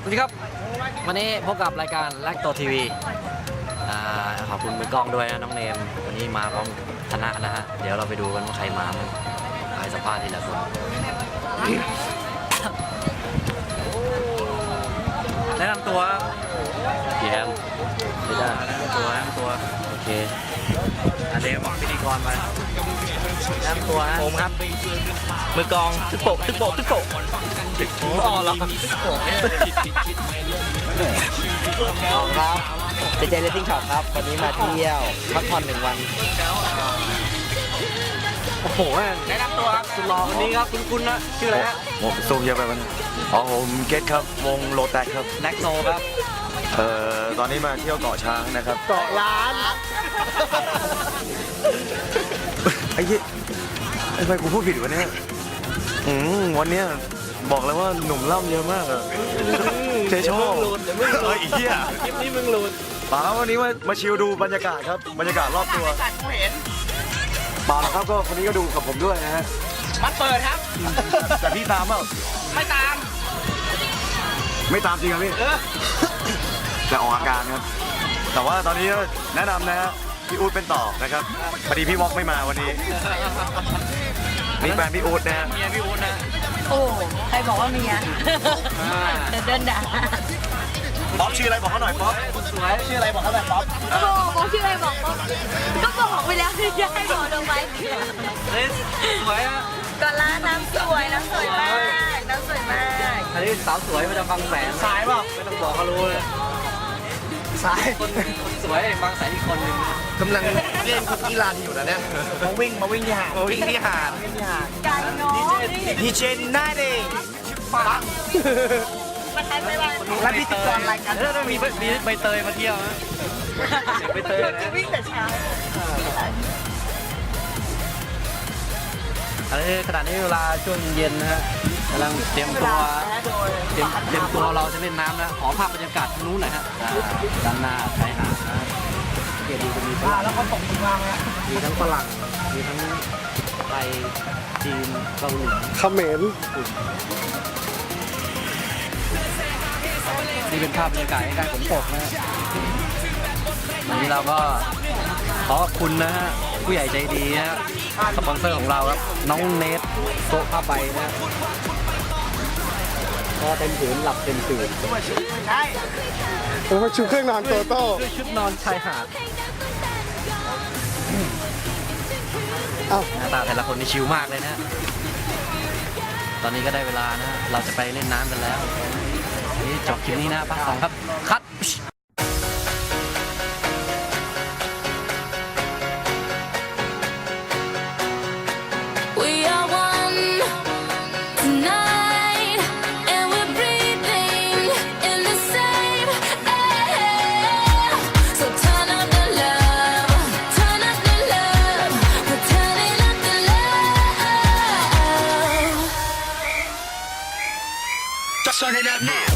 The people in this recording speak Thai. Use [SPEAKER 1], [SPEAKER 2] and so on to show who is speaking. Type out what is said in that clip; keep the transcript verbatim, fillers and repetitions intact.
[SPEAKER 1] วัสดีครับวันนี้พบกับรายการแลกโตทีวีขอบคุณมือกล้องด้วยนะน้องเนมวันนี้มาพร้อมคณะนะฮะเดี๋ยวเราไปดูกันว่าใครมาไปสัมภาษณ์ทีละคนแนะนำตัวพี่แอมไม่ได้แนะนำตัวแนะนำตัวโอเคอันเดมพิธีกรไปแนะนำตัวนะผมครับมือกองตึกโปะตึกโปะตึกโปะอ๋อเหรอตึกโปะครับเจเจเลสซิ่งช็อปครับวันนี้มาเที่ยวพักผ่อนหนึ่งวันโอ้โหแนะนำตัวครับคุณรอวันนี้ครับคุณคุณนะชื่ออะไรฮะ
[SPEAKER 2] ผมซูมเยอะไปมันอ๋อผมเกตครับวงโลแตกครับ
[SPEAKER 1] แน็กโนครับ
[SPEAKER 2] เอ่อตอนนี้มาเที่ยวเกาะช้างนะครับ
[SPEAKER 1] เกาะล้าน
[SPEAKER 2] ไอ้ยี่ไอ้ไปกูพูดผิดวะเนี่ยอืมวันเนี้ยบอกเลยว่าหนุ่มล่ำเยอะมากอะเจโชเอ้ยไอ้เหี้ย
[SPEAKER 1] คลิปนี้มึงหลุด
[SPEAKER 2] เปล่าวันนี้มามาชิลดูบรรยากาศครับบรรยากาศรอบตัวเปล่าครับก็คนนี้ก็ดูกับผมด้วยนะฮะ
[SPEAKER 1] มันเปิดครับ
[SPEAKER 2] แต่พี่ตามเปล่า
[SPEAKER 1] ไม่ตาม
[SPEAKER 2] ไม่ตามจริงครับพี่จะออกอาการครับแต่ว่าตอนนี้แนะนำนะฮะพี่อู๊ดเป็นต่อนะครับพอดีพี่วอกไม่มาวันนี้นี่แฟนพี่อู๊ดนะฮะ
[SPEAKER 1] เมียพี่อู๊ดนะ
[SPEAKER 3] โอ้ใครบอกว่าเมียเดินด่า
[SPEAKER 2] ป๊อปชื่ออะไรบอกเขาหน่อยป๊อป
[SPEAKER 1] สวยชื่ออะไรบอกเขาหน่อยป๊อป
[SPEAKER 3] โอ้บอกชื่ออะไรบอกก็บอกไปแล้วจะให้บอกลงไป
[SPEAKER 1] เฮ้ยสวยอ่ะ
[SPEAKER 3] ก่อนร้านน้ำสวยน้ำสวยมากน้ำสวยมาก
[SPEAKER 1] อันนี้สาวสวยมาจากบางแสนสายเปล่าไม่ต้องบอกเขารู้เลยสายคนคนสวยบางแสนอีกคนนึง
[SPEAKER 2] กำลังเล่นคุกกี้รันอยู่นะเนี่ย
[SPEAKER 1] มาวิ่งมาวิ่งที่หาด
[SPEAKER 2] มาวิ่งที่หาด
[SPEAKER 3] ไก่น้อง
[SPEAKER 2] ดีเจนได้เลย
[SPEAKER 1] ปัง
[SPEAKER 3] มาใช้ไปวัน
[SPEAKER 1] แล้วพิธีกรรายการเออต้องมีมีใบเตยมาเที่ยวนะใบเตยนะ
[SPEAKER 3] วิ่งแต่เช้า
[SPEAKER 1] อันนี้ขณะนี้เวลาช่วงเย็นนะฮะกำลังเตรียมตัวเตรียมเตรียมตัวเราจะเล่นน้ำนะขอภาพบรรยากาศนู้นหน่อยฮะด้านหน้าชายหาดนะเกียรติจะมีฝรั่งแล้วก็ตกลงมามีทั้งฝรั่งมีทั้งไทยจีนเกาหลี
[SPEAKER 2] เขมร
[SPEAKER 1] นี่เป็นภาพบรรยากาศใกล้ๆฝนตกนะวันนี้เราก็ขอขอบคุณนะฮะผู้ใหญ่ใจดีนะฮะสปอนเซอร์ของเราครับน้องเนทโต๊ะผ้าใบนะพอเต็มผืนหลับเต็มตื่น
[SPEAKER 2] ใช่ผมมาชุดเครื่องนอนโตโต้
[SPEAKER 1] ด้วยชุดนอนชายหาดหน้าตาแต่ละคนนี่ชิลมากเลยนะตอนนี้ก็ได้เวลานะเราจะไปเล่นน้ำกันแล้วนี่จบคลิปนี้นะภาคสองครับคัด
[SPEAKER 4] Turn it up now.